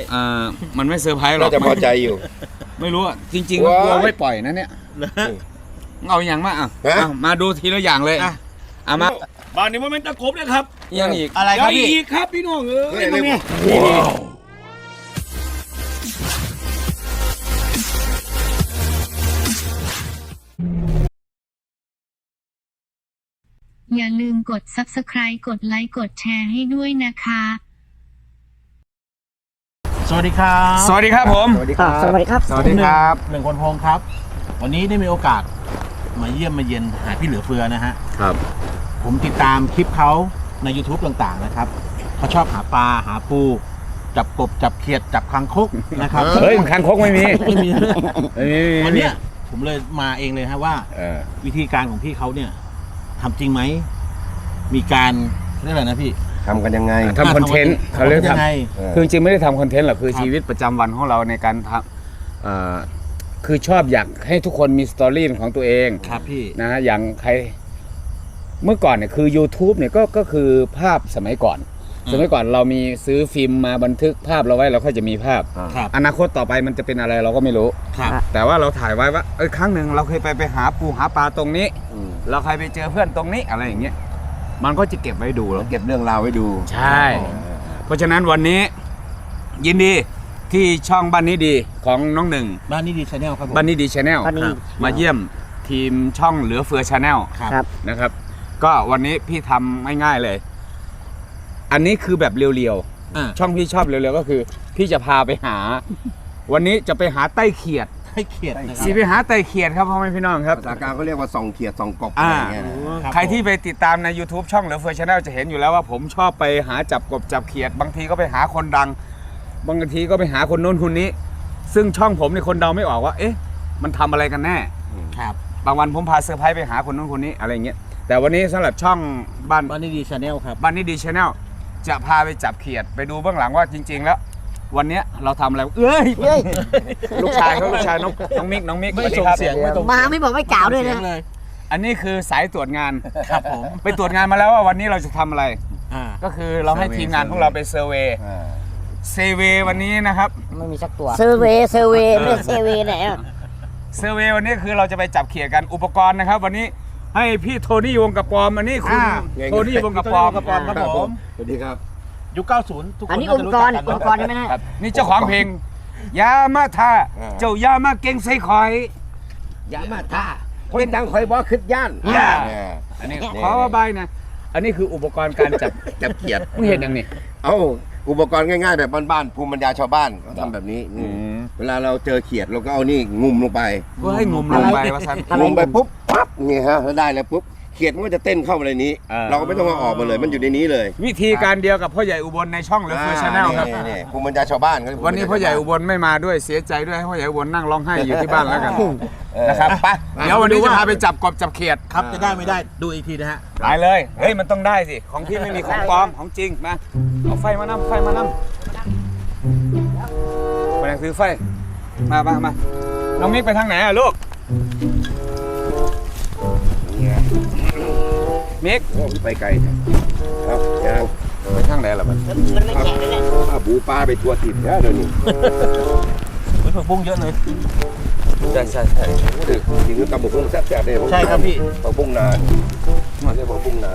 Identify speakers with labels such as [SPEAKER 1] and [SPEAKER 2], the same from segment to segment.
[SPEAKER 1] มันไม่เซอร์ไพรส์หรอก
[SPEAKER 2] น่าจะพอใจอยู่
[SPEAKER 1] ไม่รู้อ่ะจริงๆก็กลัวไม่ปล่อยนะเนี่ยเอาอย่างมามาดูทีละอย่างเลยมาบ้านนี้มันเป็นตะกบนะครับยังอีกอะไรครับพี่อีกครับพี่น้องนี่
[SPEAKER 3] อย่าลืมกด Subscribe กดไลค์กดแชร์ให้ด้วยนะคะ
[SPEAKER 4] สวัสดีครับ
[SPEAKER 1] สวัสดีครับผม
[SPEAKER 5] สวัสดีครับสวัสดีครับ
[SPEAKER 1] สวัสดีครับ
[SPEAKER 4] หนึ่งคนพงครับวันนี้ได้มีโอกาสมาเยี่ยมมาเยียนหาพี่เหลือเฟือนะฮะ
[SPEAKER 1] ครับ
[SPEAKER 4] ผมติดตามคลิปเขาใน YouTube ต่างๆนะครับเขาชอบหาปลาหาปูจับกบจับเขียดจับคางคกนะครับ
[SPEAKER 1] เฮ้ยคางคกไม่มี
[SPEAKER 4] วันนี้ผมเลยมาเองเลยฮะว่าวิธีการของพี่เขาเนี่ยทำจริงไหมมีการเรียกอะไรนะพี่
[SPEAKER 2] ทำกันยังไง
[SPEAKER 1] ทำคอนเทนต์เขาเรียกทำคือจริงไม่ได้ทำคอนเทนต์หรอกคือชีวิตประจำวันของเราในการทำคือชอบอยากให้ทุกคนมีสตอรี่ของตัวเอง
[SPEAKER 4] ครับพี่
[SPEAKER 1] นะอย่างใครเมื่อก่อนเนี่ยคือ YouTube เนี่ยก็คือภาพสมัยก่อนเรามีซื้อฟิล์มมาบันทึกภาพเราไว้เราค่อยจะมีภาพอนาคตต่อไปมันจะเป็นอะไรเราก็ไม่รู้แต่ว่าเราถ่ายไว้ว่าครั้งหนึ่งเราเคยไปหาปูหาปลาตรงนี้เราเคยไปเจอเพื่อนตรงนี้อะไรอย่างเงี้ยมันก็จะเก็บไว้ดูแล้ว
[SPEAKER 2] เก็บเรื่องราวไว้ดู
[SPEAKER 1] ใช่เพราะฉะนั้นวันนี้ยินดีที่ช่องบ้านนี้ดีของน้องหนึ่ง
[SPEAKER 4] บ้านนี้ดีชาแนลครับผม
[SPEAKER 1] บ้านนี้ดีชาแนลมาเยี่ยมทีมช่องเหลือเฟือชาแนลนะครับก็วันนี้พี่ทำง่ายๆเลยอันนี้คือแบบเรียวๆช่องพี่ชอบเรียวๆก็คือพี่จะพาไปหาวันนี้จะไปหาไต้เขียด
[SPEAKER 4] นะครับ
[SPEAKER 1] สีไปหาไต้เขียดครับพ่อแม่พี่น้องครับ
[SPEAKER 2] ภาษากลางเขาเรียกว่าส่องเขียดส่องกบอะไรเงี้ย
[SPEAKER 1] ใครที่ไปติดตามใน YouTube ช่องเหลือเฟือชาแนลจะเห็นอยู่แล้วว่าผมชอบไปหาจับกบจับเขียดบางทีก็ไปหาคนดังบางทีก็ไปหาคนโน้นคนนี้ซึ่งช่องผมในคนเดาไม่ออกว่าเอ๊ะมันทำอะไรกันแน่
[SPEAKER 4] ครับ
[SPEAKER 1] บางวันผมพาเซอร์ไพรส์ไปหาคนโน้นคนนี้อะไรเงี้ยแต่วันนี้สำหรับช่องบ้าน
[SPEAKER 4] นี้ดีชาแนลครับ
[SPEAKER 1] บ้านนี้ดีชาแนลจะพาไปจับเขียดไปดูเบื้องหลังว่าจริงๆแล้ววันนี้เราทำอะไรลูกชายน้องมิก
[SPEAKER 4] ไม่ส่งเสียง
[SPEAKER 5] มาไม่บอกไม่กล่าวด้วยนะ
[SPEAKER 1] อันนี้คือสายตรวจงาน
[SPEAKER 4] ครับผม
[SPEAKER 1] ไปตรวจงานมาแล้วว่าวันนี้เราจะทำอะไรก็คือเราให้ทีมงานของเราไปเซอร์เวย์วันนี้นะครับ
[SPEAKER 5] ไม่มีสักตัวเซอร์เวย์ไม่เซอร์เวย์ไหน
[SPEAKER 1] เซอร์เวย์วันนี้คือเราจะไปจับเขียดกันอุปกรณ์นะครับวันนี้ให้พี่โทนี่วงกระปอมอันนี้คุณโทนี่วงกระปอม
[SPEAKER 4] ครับผม
[SPEAKER 2] สวัสดีครับ
[SPEAKER 4] ยุค90ทุกคน
[SPEAKER 5] อันนี้อุปกรณ์ใช่ไหมนะ
[SPEAKER 1] นี่เจ้าของเพลงยามาท่าเจ้ายามาเก่งใส่คอย
[SPEAKER 2] ยามาท่าคนดังคอยบอกขึ้นย่าน
[SPEAKER 1] อันนี้ขอใบนะอันนี้คืออุปกรณ์การจับเขียดมึงเห็นยังนี่
[SPEAKER 2] อุปกรณ์ง่ายๆแบบบ้านๆภูมิปัญญาชาวบ้านเขาทำแบบนี้เวลาเราเจอเขียดเราก็เอานี่งุมลงไป
[SPEAKER 1] เพื่อให้งุมลงไปว่าซัน
[SPEAKER 2] งุมไปปุ๊บปั๊บนี่ฮะได้แล้วปุ๊บเขียดมันก็จะเต้นเข้ามาในนี้เราก็ไม่ต้องมาออกมาเลยมันอยู่ในนี้เลย
[SPEAKER 1] วิธีการเดียวกับพ่อใหญ่อุบลในช่องเหลือเฟือชาแนลครับ
[SPEAKER 2] ภูมิปัญญาชาวบ้าน
[SPEAKER 1] วันนี้พ่อใหญ่อุบลไม่มาด้วยเสียใจด้วยให้พ่อใหญ่อุบลนั่งร้องไห้อยู่ที่บ้านแล้วกันนะครับไปเดี๋ยววันนี้จะพาไปจับกบจับเขียด
[SPEAKER 4] ครับจะได้ไม่ได้ดูอีกทีนะฮะ
[SPEAKER 1] ได้เลยเฮ้ยมันต้องได้สิของพี่ไม่มีของปลอมของจริงมาเอาไฟมานำมาซื้อไฟมาน้องมิกไปทางไหนอะลูกมิก
[SPEAKER 2] ไปไกลครับยัง
[SPEAKER 1] ไปทางไหนล่ะมัน
[SPEAKER 5] ไม่แข็งเลย
[SPEAKER 2] บูปลาไปตัวติดแล้วเดี๋ยวนี้
[SPEAKER 4] ผักบุ้งเยอะเลย
[SPEAKER 1] ใช่
[SPEAKER 2] จริงๆตำผักบุ้งแซ่บๆเลย
[SPEAKER 4] ใช่ครับพี่
[SPEAKER 2] ผักบุ้งนาไม่ใช่ผักบุ้งนา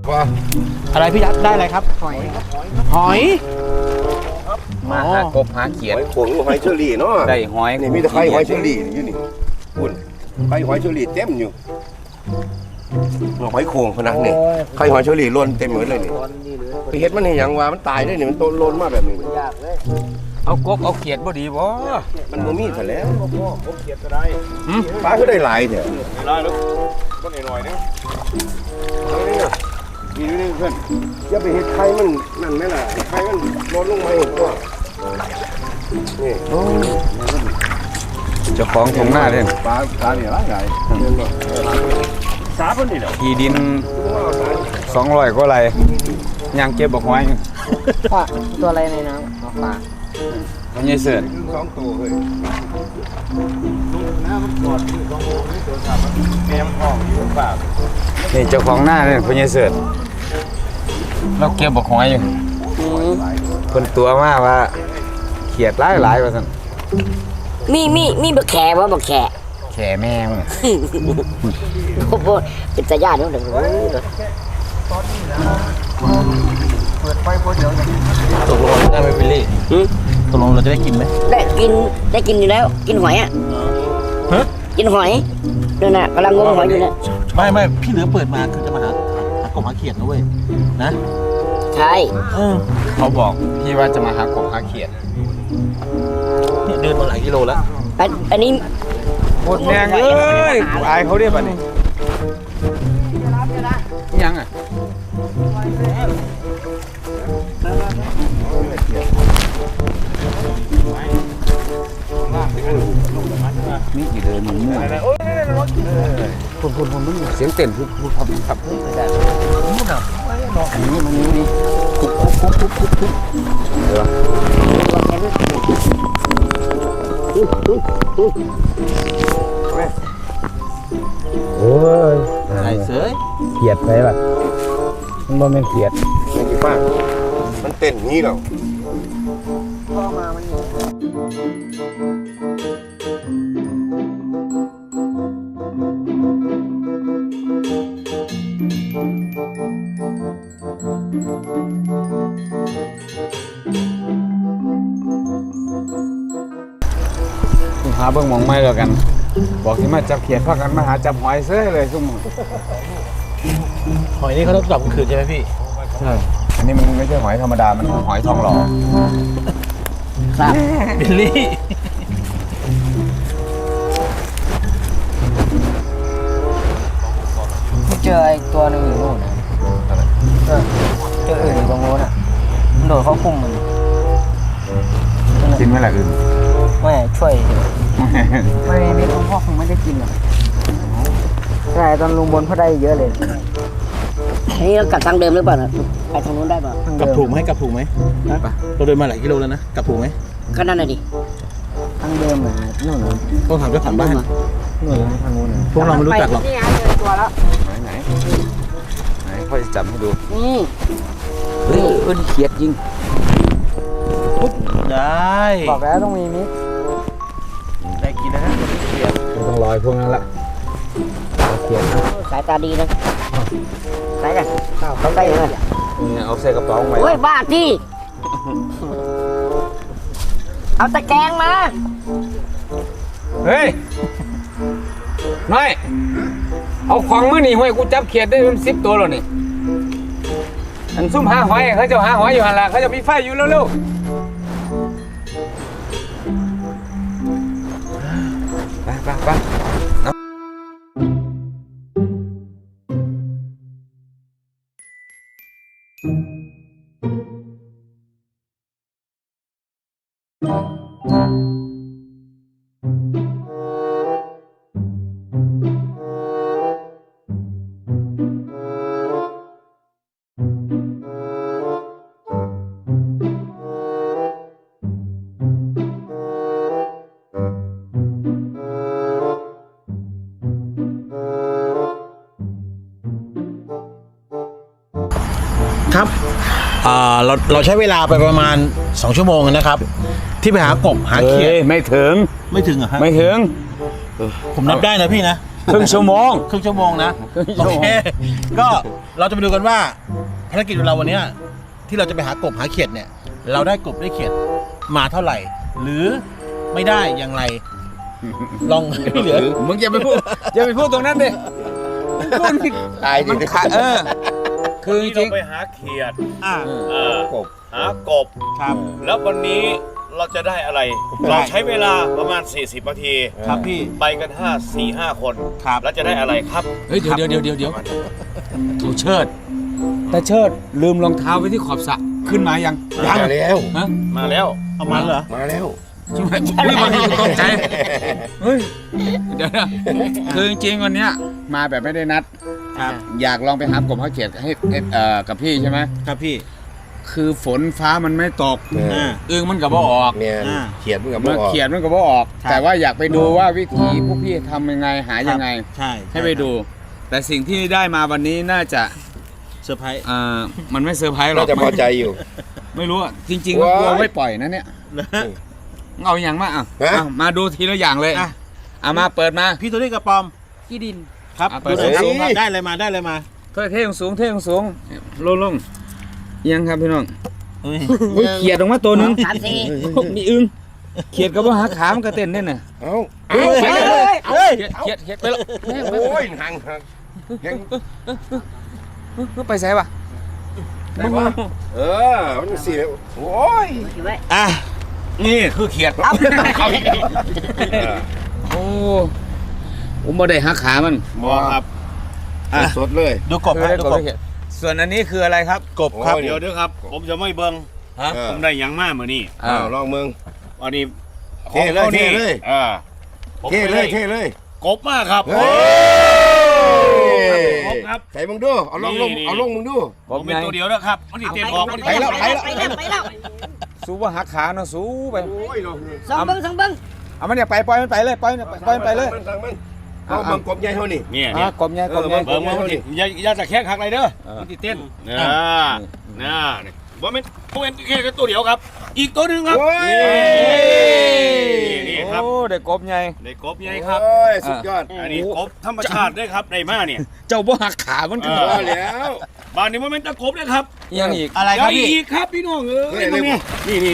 [SPEAKER 2] ว่า
[SPEAKER 4] อะไรพี่ยัดได้อะไรครับ หอย
[SPEAKER 1] มาหากบหาเขียด
[SPEAKER 2] หอยโขงหอยเชอรี่เนาะ
[SPEAKER 1] ได้หอย
[SPEAKER 2] นี่มีแต่ไข่หอยเชอรี่อยู่นี่คุณไข่หอยเชอรี่เต็มอยู่หอยโขงขนาดนี้ไข่หอยเชอรี่ล้นเต็มหมดเลยนี่ไปเฮ็ดมันให้หยังว่ามันตายได้นี่มันโตล้นมาแบบนี้
[SPEAKER 1] เอากบเอาเขียดบ่ดีบ่
[SPEAKER 2] มันบ่มีซะแล้วปลาคือได้หลายแท้
[SPEAKER 6] ได้แล้วก็หน่อยๆนึง
[SPEAKER 2] นี่เพื่อนอย่าไปเฮ็ดไข่มันนั่นแม่ล่ะไข่มันล้นลงมาอีกตัวนี่
[SPEAKER 1] เจ้าของทงหน้าเด่น
[SPEAKER 6] ปลาเนี่ยหลายสาเพิ่นนี่แหละ
[SPEAKER 1] ที่ดิน200กว่าไร่ย่างเก็บบักหอย
[SPEAKER 5] ว่าตัวอะไรในน้ำปลา
[SPEAKER 1] มันใหญ่เสิร์ช
[SPEAKER 2] 2ตัวเฮ้ย
[SPEAKER 6] แม่มันออกอยู่ปาก
[SPEAKER 1] นี่เจ้าของหน้าเนี่ยมันใหญ่เสิร์ชเราเก็บบักหอยอยู่เพิ่นตัวมาว่าเขียดหลายๆว่าซั่น
[SPEAKER 5] มีบักแขว่าบักแข
[SPEAKER 1] แข่แม่ง
[SPEAKER 5] โอ้โหเป็นตาญาตินู่นเลย
[SPEAKER 4] ตกลงได้ไหมวิลลี่ตกลงเราจะได้กินไหม
[SPEAKER 5] ได้กินอยู่แล้วกินหอยอ่ะ
[SPEAKER 4] ฮะ
[SPEAKER 5] กินหอยนั่นน่ะกำลังงมหอยอยู่เนี่ย
[SPEAKER 4] ไม่พี่เหลือเปิดมาคือจะมาหากบหาเขียดนะเว้ยนะ
[SPEAKER 5] ใช่
[SPEAKER 1] เขาบอกพี่ว่าจะมาหากบหาเขียด
[SPEAKER 4] เนี่ยเดินมาหลายกิโลแล้ว
[SPEAKER 5] อันนี้
[SPEAKER 1] หมดแดงเอ้ยกูอายเขาเรียกป่ะนี่ยังอ่ะนี่กี่เดินมันมั่วคนเสียงเต้นพูดครับมันนี่เดี๋ยวโอ้ย
[SPEAKER 4] ไอ้เสย
[SPEAKER 1] เขียดไปป่ะมันบ่แม่นเขียด
[SPEAKER 2] มันกี่ป้ามันเต้นอย่างนี้แล้ว
[SPEAKER 1] หาเบิ่งหมองไม่แล้วกัน บอกที่มาจับเขียดพากันมาหาจับหอยเซ้ยเลยซุ่ม
[SPEAKER 4] หอยนี่เขาต้องจับกลางคืนใช่ไหมพี่
[SPEAKER 1] ใช่อันนี้มันไม่ใช่หอยธรรมดามันหอยทองหล่อ
[SPEAKER 5] ครับ
[SPEAKER 4] บิลลี่
[SPEAKER 5] เจอไอ้ตัวหนึงอยู่นู่นนะเจออื่นอยู่ตรงโน้นอ่ะมันโดดเข้าพุ่มมัน
[SPEAKER 1] กินไหมล่ะอื่น
[SPEAKER 5] ไม่ช่วยไม่มีลุงพ่อคงไม่ได้กินหรอกใช่ตอนลุงบนเขาได้เยอะเลยนี่เรากลับทางเดิมหรือเปล่านะไปทางนู้นได้เปล่าก
[SPEAKER 4] ลับถูกไหมกลับถูกไหมเราเดินมาหลายกิโลแล้วนะกลับถูกไหม
[SPEAKER 5] ก็นั่นน่ะดิทางเดิมอ่ะนู่นน่ะ
[SPEAKER 4] ต้องถามเจ้าของบ้าน
[SPEAKER 5] นู่นน่ะทางนู้นน่ะ
[SPEAKER 4] พวกเราไม่รู้จักหรอก
[SPEAKER 5] นี่ไงเจอตัวแล้ว
[SPEAKER 1] ไหนพ่อจะจับให้ดู
[SPEAKER 5] นี่
[SPEAKER 1] เฮ้ยเขียดยิง
[SPEAKER 4] ได้
[SPEAKER 5] บอกแล้วต้องมีมิก
[SPEAKER 4] ได้กินแล้วนะเขียด
[SPEAKER 1] ไม่ต้องรอยพวกนั้นละเขียดนะ
[SPEAKER 5] สายตาดีนะไหนกันเขาใกล้เลย
[SPEAKER 1] เนี่ยเอาใส่กระเป๋าไว้
[SPEAKER 5] โอ้ยบ้าที่เอาตะแกรงมา
[SPEAKER 1] เฮ้ยน้อยเอาของมือหนีห้วยกูจับเขียดได้เป็น10 ตัวแล้วนี่อันซุ่มหาหอยเขาจะหาหอยอยู่หันละเขาจะมีไฟอยู่เร็วๆไป
[SPEAKER 4] ครับเราใช้เวลาไปประมาณ2 ชั่วโมงนะครับ ที่ไปหากบหาเขียด
[SPEAKER 1] ไม่ถึง
[SPEAKER 4] ไม่ถึงเหรอฮะ
[SPEAKER 1] ไม่ถึง
[SPEAKER 4] ผมนับได้นะพี่นะ
[SPEAKER 1] ครึ่งชั่วโมง
[SPEAKER 4] ครึ่งชั่วโมงนะ
[SPEAKER 1] ครึ่ง
[SPEAKER 4] โอ
[SPEAKER 1] ชั่วโมง
[SPEAKER 4] เคก็เราจะมาดูกันว่าภารกิจของเราวันเนี้ยที่เราจะไปหากบหาเขียดเนี่ย เราได้กบได้เขียดมาเท่าไหร่ หรือไม่ได้อย่างไร ลองพี่เหลือ
[SPEAKER 1] มึงอย่าไปพูดตรงนั้นดิพูดผิด
[SPEAKER 2] ตายดิ
[SPEAKER 1] มันขาดคือจ
[SPEAKER 6] นี่
[SPEAKER 1] ริ
[SPEAKER 6] เรา
[SPEAKER 1] ง
[SPEAKER 6] ไปหาเขียด
[SPEAKER 4] อ่า
[SPEAKER 2] กบ
[SPEAKER 6] หากบ
[SPEAKER 4] ครับ
[SPEAKER 6] แล้ววันนี้เราจะได้อะไร เราใช้เวลาประมาณ 40 นาที
[SPEAKER 4] ครับพี่
[SPEAKER 6] ไปกัน4-5 คน
[SPEAKER 4] ครับ
[SPEAKER 6] แล้วจะได้อะไรครับ
[SPEAKER 1] เฮ้ยเดี๋ยวเขาเชิด แต่เชิดลืมรองเท้าไว้ที่ขอบสระขึ้นมายัง
[SPEAKER 2] มาแล้ว
[SPEAKER 1] ฮะ
[SPEAKER 6] มาแล้ว
[SPEAKER 4] เอามันเหรอ
[SPEAKER 2] มาแล้ว
[SPEAKER 1] ใช่ไหมอุ้ยบางทีตกใจเฮ้ยเดี๋ยวนะคือจริงๆวันเนี้ยมาแบบไม่ได้นัด
[SPEAKER 4] ครับ
[SPEAKER 1] อยากลองไปหากบหาเขียดให้กับพี่ใช่ไหม
[SPEAKER 4] ครับพี่
[SPEAKER 1] คือฝนฟ้ามันไม่ตก
[SPEAKER 4] อ่า
[SPEAKER 1] อึ่งมันกับว่าออก
[SPEAKER 2] เนี่ย
[SPEAKER 4] อ่า
[SPEAKER 2] เขียนมึงกับ
[SPEAKER 1] มา
[SPEAKER 2] บอก
[SPEAKER 1] เขียนมันกับว่าออก
[SPEAKER 4] ครับ
[SPEAKER 1] แต่ว่าอยากไปดูว่าวิธีพวกพี่ทำยังไงหายังไง
[SPEAKER 4] ใช่
[SPEAKER 1] ให้ไปดู แต่สิ่งที่ได้มาวันนี้น่าจะ
[SPEAKER 4] เซอร์ไพรส์
[SPEAKER 1] มันไม่เซอร์ไพรส์หรอ
[SPEAKER 2] น่าก จะพอใจอยู่
[SPEAKER 1] ไม่รู้อะจริงๆก็กลัว
[SPEAKER 2] ว้าย
[SPEAKER 1] ไม่ปล่อยนะเนี่ยเอาอย่างมาอ่ะ
[SPEAKER 2] ฮะ
[SPEAKER 1] อ่ะมาดูทีละอย่างเลย
[SPEAKER 4] อ่ะ
[SPEAKER 1] เอามาเปิดมา
[SPEAKER 4] พี่ตัวนี้กระปอม
[SPEAKER 5] ขี้ดิน
[SPEAKER 4] ครับ
[SPEAKER 1] อ่ะเปิด
[SPEAKER 4] ดูหน่อยครับ
[SPEAKER 2] สูงๆครับ
[SPEAKER 4] ได้เลยมาได้เลยมา
[SPEAKER 1] เท่สูงเท่สูงลงเอียังครับพี่น้อง
[SPEAKER 4] เฮ้ย
[SPEAKER 1] อุ้ยเขียดออกมาตัวหนึง
[SPEAKER 5] 3 4
[SPEAKER 1] มีอึ้งเขียดกับว่าหาขามันกระเต้นเนี่ยน่ะ
[SPEAKER 2] เอ้า
[SPEAKER 4] เฮ้ยเฮ้ย
[SPEAKER 1] เขียดไปแล้ว
[SPEAKER 2] โอ้ยห่างยัง
[SPEAKER 1] ไปใส่ปะ
[SPEAKER 2] ได้ปะมันเสียโอ้ย
[SPEAKER 5] อยู่ไว้
[SPEAKER 4] อ่ะ
[SPEAKER 1] นี่คือเขียด
[SPEAKER 2] เอาอีก
[SPEAKER 1] โอ้ผมบ่ได้หาขามัน
[SPEAKER 6] บอกครับ
[SPEAKER 2] สดเลย
[SPEAKER 4] ดูกบครับดูกบ
[SPEAKER 1] ส่วนอันนี้คืออะไรครับ
[SPEAKER 4] กบครับ
[SPEAKER 2] โอ้
[SPEAKER 6] เดี๋ยวครับ ผมจะไม่เบิ่ง
[SPEAKER 1] ฮะ
[SPEAKER 6] ผมได้หยังมากมือนี่
[SPEAKER 2] อ้าวลองมึง
[SPEAKER 6] วันนี้
[SPEAKER 2] เท่เลย
[SPEAKER 6] ของขานี่
[SPEAKER 2] เท่เลย
[SPEAKER 6] ผม
[SPEAKER 2] เท่
[SPEAKER 6] ไป
[SPEAKER 2] เลยเท่เลย
[SPEAKER 6] กบมากครับ
[SPEAKER 2] เฮ้ย
[SPEAKER 6] กบครับ
[SPEAKER 2] ใส่มึงดูเอาลง
[SPEAKER 6] นี่
[SPEAKER 2] เอาลงมึงดู
[SPEAKER 6] ผมเป็นตัวเดียวนะครับมันติดเต็มออกมัน
[SPEAKER 2] ไปแล้วไปแล้ว
[SPEAKER 5] ไปแล้ว
[SPEAKER 1] สู้ว่าหาขาเนาะสู้ไป
[SPEAKER 2] โอ้ยลง
[SPEAKER 5] สองเบิ้ง
[SPEAKER 1] เอามันอย่าไปปล่อยมันไปเลยปล่อยมันไปเลย
[SPEAKER 2] เอามึงกบใหญ่เท่านี้
[SPEAKER 6] เนี่ย
[SPEAKER 1] กบใหญ่กบใหญ่
[SPEAKER 2] เออ
[SPEAKER 6] เบิ่งมันติดอย่าจะแข้งหักอะไรเด้อมันติดเต้นน่าว่ามันแค่ตัวเดียวครับ อีกตัวหนึ่งครับ
[SPEAKER 2] โอ้ย
[SPEAKER 6] นี่ครับ
[SPEAKER 1] โอ้ได้กบใหญ่
[SPEAKER 6] ได้กบใหญ่ครับ
[SPEAKER 2] โอ้ยสุดยอด
[SPEAKER 6] อันนี้กบธรรมชาติด้วยครับได้มาเนี่ย
[SPEAKER 1] เจ้าบ่หักขามันก็
[SPEAKER 6] เอ
[SPEAKER 2] พอแล้ว
[SPEAKER 6] บ้านนี้มันเป็นตะกบนะครับ
[SPEAKER 1] ยังอีก
[SPEAKER 4] อะไรครับพี่
[SPEAKER 6] อีกครับพี่น้องนี่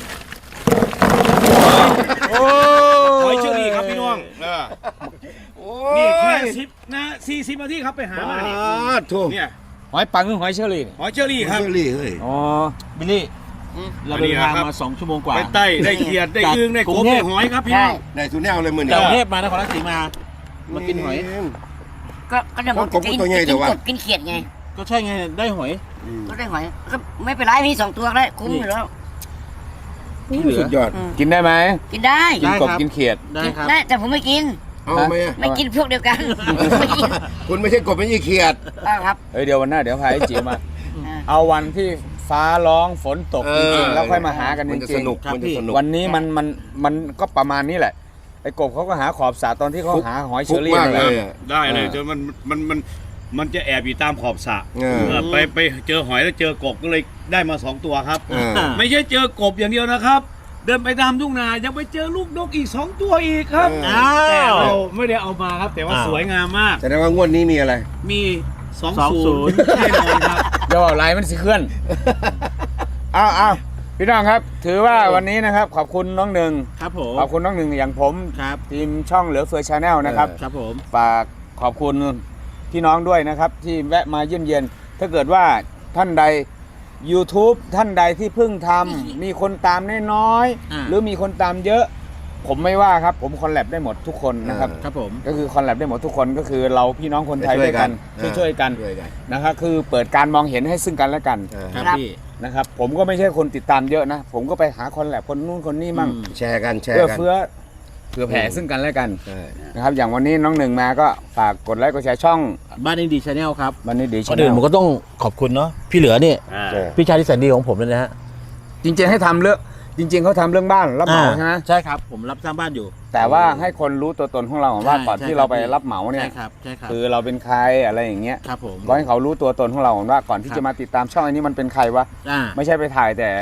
[SPEAKER 1] โอ้
[SPEAKER 6] หอยเชอรี่ครับพี่น้อง
[SPEAKER 2] โอ้
[SPEAKER 6] นี่
[SPEAKER 2] ย
[SPEAKER 6] แค่40 นาทีครับไปหามานี่
[SPEAKER 2] ถูก
[SPEAKER 6] เนี่ย
[SPEAKER 1] หอยปังหรือหอยเชอรี่
[SPEAKER 6] หอยเชอรี่ครับ
[SPEAKER 2] เชอรี่เฮ้ย
[SPEAKER 1] อ๋อ
[SPEAKER 4] บิลลี่ เราเดินทางมา2 ชั่วโมงกว่า
[SPEAKER 6] ไปไต่ได้เขียดได้อึ่งได้ก
[SPEAKER 4] กรุ
[SPEAKER 6] บ
[SPEAKER 4] งเท
[SPEAKER 6] ได้
[SPEAKER 4] พ
[SPEAKER 6] หอยครับพี่
[SPEAKER 5] ใช่
[SPEAKER 6] น้อง
[SPEAKER 2] ได้สุดแนวเลยมือ
[SPEAKER 4] จากกรุง
[SPEAKER 2] นี่
[SPEAKER 4] เทพมานครราชสีมามากินหอย
[SPEAKER 5] ก็เดี๋ยวผมกินกบกินเขียดไง
[SPEAKER 4] ก็ใช่ไงได้หอย
[SPEAKER 5] ก็ได้หอยก็ไม่เป็นไรมี2 ตัวได้คุ้มอยู่แล้ว
[SPEAKER 2] สุดยอด
[SPEAKER 1] กินได้ไหม
[SPEAKER 5] กินได้
[SPEAKER 1] กินกบ
[SPEAKER 4] ได้ครับ
[SPEAKER 1] กินเขียด
[SPEAKER 4] ได้ครับ
[SPEAKER 5] ได้แต่ผมไม่กิน
[SPEAKER 2] เอาไหมอะ
[SPEAKER 5] ไม่กินพวกเดียวกันไม่กิน
[SPEAKER 2] คุณไม่ใช่กบไม่ใช่เขียด
[SPEAKER 5] ครับ
[SPEAKER 1] เฮ้ยเดี๋ยววันหน้าเดี๋ยวพาไอ้จิ๋วมา เอาวันที่ฟ้าร้องฝนตกจริงๆแล้วค่อยมาหากันจ
[SPEAKER 2] มันจะ
[SPEAKER 1] ริ
[SPEAKER 2] ส
[SPEAKER 1] ง
[SPEAKER 2] นุกมันจะสนุก
[SPEAKER 1] ๆวันนี้มันก็ประมาณนี้แหละไอ้กบเขาก็หาขอบสระตอนที่เขาหาหอยเชอรี่
[SPEAKER 2] มาก
[SPEAKER 1] นั่น
[SPEAKER 2] เล
[SPEAKER 1] แหละ
[SPEAKER 2] ยอะ
[SPEAKER 6] ได้เลยจนมันจะแอบอยู่ตามขอบสระ
[SPEAKER 2] เออ
[SPEAKER 6] ไปเจอหอยแล้วเจอกบก็เลยได้มา2 ตัวครับ
[SPEAKER 2] เออ
[SPEAKER 6] ไม่ใช่เจอกบอย่างเดียวนะครับ เดินไปตามทุ่งนายังไปเจอลูกนกอีก2 ตัวอีกครับ
[SPEAKER 4] อ้าว
[SPEAKER 6] แต่เราไม่ได้เอามาครับ แต่ว่าสวยงามมาก
[SPEAKER 2] แสดงว่างวดนี้มีอะไร
[SPEAKER 6] มี20แน่นอนครับ
[SPEAKER 1] เดี๋ยวเอาไลน์มันสิเคลื่อนอ้าวพี่น้องครับ ถือว่าวันนี้นะครับขอบคุณน้องหนึ่ง
[SPEAKER 4] ครับผม
[SPEAKER 1] ขอบคุณน้องหนึ่งอย่างผม
[SPEAKER 4] ครับ
[SPEAKER 1] ทีมช่องเหลือเฟือชาแนลนะครับ
[SPEAKER 4] ครับผม
[SPEAKER 1] ฝากขอบคุณพี่น้องด้วยนะครับ ที่แวะมาเยี่ยมเยียนถ้าเกิดว่าท่านใด YouTube ท่านใดที่เพิ่งทำมีคนตามน้อยๆหรือมีคนตามเยอะ ผมไม่ว่าครับ ผมคอลแลบได้หมดทุกคนนะครับ
[SPEAKER 4] ครับผม
[SPEAKER 1] ก็คือคอลแลบได้หมดทุกคนก็คือเราพี่น้องคนไทยด้วยกันช่วยกัน
[SPEAKER 2] ช่วยกัน
[SPEAKER 1] นะครับคือเปิดการมองเห็นให้ซึ่งกันและกัน
[SPEAKER 4] ครับพี่
[SPEAKER 1] นะครับผมก็ไม่ใช่คนติดตามเยอะนะ ผมก็ไปหาคอลแลบคนนู้นคนนี้มั่ง
[SPEAKER 2] แชร์กันแชร์
[SPEAKER 1] เพื่อ
[SPEAKER 2] กัน
[SPEAKER 1] เพื่อแผ่ซึ่งกันและกัน
[SPEAKER 2] ใช่
[SPEAKER 1] นะครับอย่างวันนี้น้องหนึ่งมาก็ฝากกดไลค์กดแชร์ช่อง
[SPEAKER 4] บ้านอินดีชาแนลครับ
[SPEAKER 1] วันนี้ดี
[SPEAKER 4] ก่
[SPEAKER 1] ชา
[SPEAKER 4] อน
[SPEAKER 1] แน
[SPEAKER 4] อื่น
[SPEAKER 1] ล
[SPEAKER 4] ผมก็ต้องขอบคุณเนาะพี่เหลือเนี่ย
[SPEAKER 2] ใช่
[SPEAKER 4] พี่ชายที่แสนดีของผมเลยนะฮะ
[SPEAKER 1] จริงๆให้ทำเรื่องจริง ๆเขาทำเรื่องบ้านรับเหมาใช่ไหม
[SPEAKER 4] ใช่ครับผมรับสร้างบ้านอยู่
[SPEAKER 1] แต่ว่าให้คนรู้ตัวตนของเราว่าก่อน
[SPEAKER 4] ใช่
[SPEAKER 1] ที่เราไป
[SPEAKER 4] ใช่
[SPEAKER 1] รับเหมาเนี่ย
[SPEAKER 4] ใช่ครับใช่ครับ
[SPEAKER 1] คือเราเป็นใครอะไรอย่างเงี้ย
[SPEAKER 4] ครับผม
[SPEAKER 1] ก็ให้เขารู้ตัวตนของเราว่าก่อนที่
[SPEAKER 4] ครับ
[SPEAKER 1] จะมาติดตามช่องอันนี้มันเป็นใครวะ
[SPEAKER 4] อ่า
[SPEAKER 1] ไม่ใช่ไปถ่ายแต่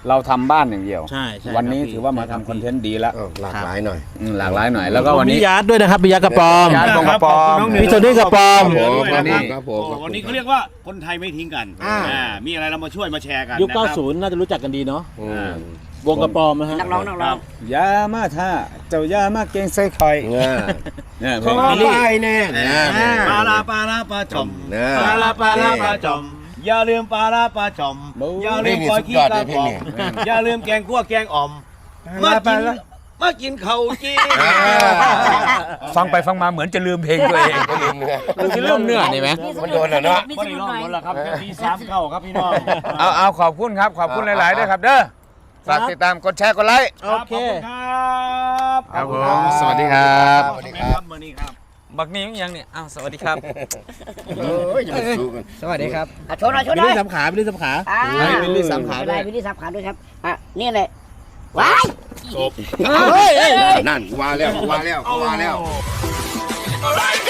[SPEAKER 1] เราทำบ้านอย่างเดียว
[SPEAKER 4] ใช่ใช่
[SPEAKER 1] วันนี้
[SPEAKER 4] ครับ
[SPEAKER 1] ถือว่ามาทำคอนเทนต์ดีแล้ว
[SPEAKER 2] หลากหลายหน่อย
[SPEAKER 1] หลากหลายหน่อย แล้วก็วันนี้
[SPEAKER 4] พี่ยัดด้วยนะครับพี่ยัดกระปอม
[SPEAKER 1] ยัด กระปอม
[SPEAKER 4] พี่โทนี่กระปอม
[SPEAKER 2] ครับผมครับผม
[SPEAKER 6] วันนี้เขาเรียกว่าคนไทยไม่ทิ้งกันมีอะไรเรามาช่วยมาแชร์กัน
[SPEAKER 4] ยุค
[SPEAKER 6] นะครับ
[SPEAKER 4] 90 น่าจะรู้จักกันดีเนาะ
[SPEAKER 2] อืม
[SPEAKER 4] วงกระปอมนะฮะ
[SPEAKER 5] นักร้องนักร้อง
[SPEAKER 1] ยามาท่าเจ้ายามาเก่งใส่คอย
[SPEAKER 2] เนี่ย
[SPEAKER 1] เนี่ยเพ
[SPEAKER 2] ข
[SPEAKER 1] ล
[SPEAKER 2] อง ไปแน่
[SPEAKER 6] ปลาลาปลาลาปลาจอม
[SPEAKER 2] นะ
[SPEAKER 6] ปลาลาปลาลาปลาจอมอย่าลืมปลาลาปลาจอมอย่าลืมปล่อยขี้กระป๋องอย่าลืมแกงคั่วแกงอ่อมมากินข้าวจี
[SPEAKER 1] ฟังไปฟังมาเหมือนจะลืมเพลงตัวเอง
[SPEAKER 2] ก็ลืมเนื้อ
[SPEAKER 1] จะลืมเนื้อนี่ไหม
[SPEAKER 2] มันโดนแล้วเนาะ
[SPEAKER 6] ไม่ได้ร้องหมดแล้วครับแค่ที3เข้าครับพี่น้อง
[SPEAKER 1] เอาขอบคุณครับขอบคุณหลายๆด้วยครับเด้อฝากติดตามกดแชร์กดไลค์
[SPEAKER 4] โอเค
[SPEAKER 6] ครับ
[SPEAKER 1] ครับผมสวัสดีครับ
[SPEAKER 2] สวัสดีครับ
[SPEAKER 6] เมื่อนี้ครับ
[SPEAKER 1] บักนี้ยังเนี่ยอ้าวสวัสดีครับ
[SPEAKER 2] เอ้ยอย่ามาสู้กัน
[SPEAKER 1] สวัสดีครับ
[SPEAKER 5] โชว์หน่อยโชว์
[SPEAKER 4] บิ
[SPEAKER 5] ห
[SPEAKER 4] ล
[SPEAKER 5] น่อย
[SPEAKER 4] ลี่สามขาบิลลี่สามขา
[SPEAKER 1] บิลลี่สามขาด้วย
[SPEAKER 5] บิลลี่สามขาด้วยครับนี่เลยว้าย
[SPEAKER 2] นั่นว่าแล้วว่าแล้วว่าแล้ว
[SPEAKER 6] All right.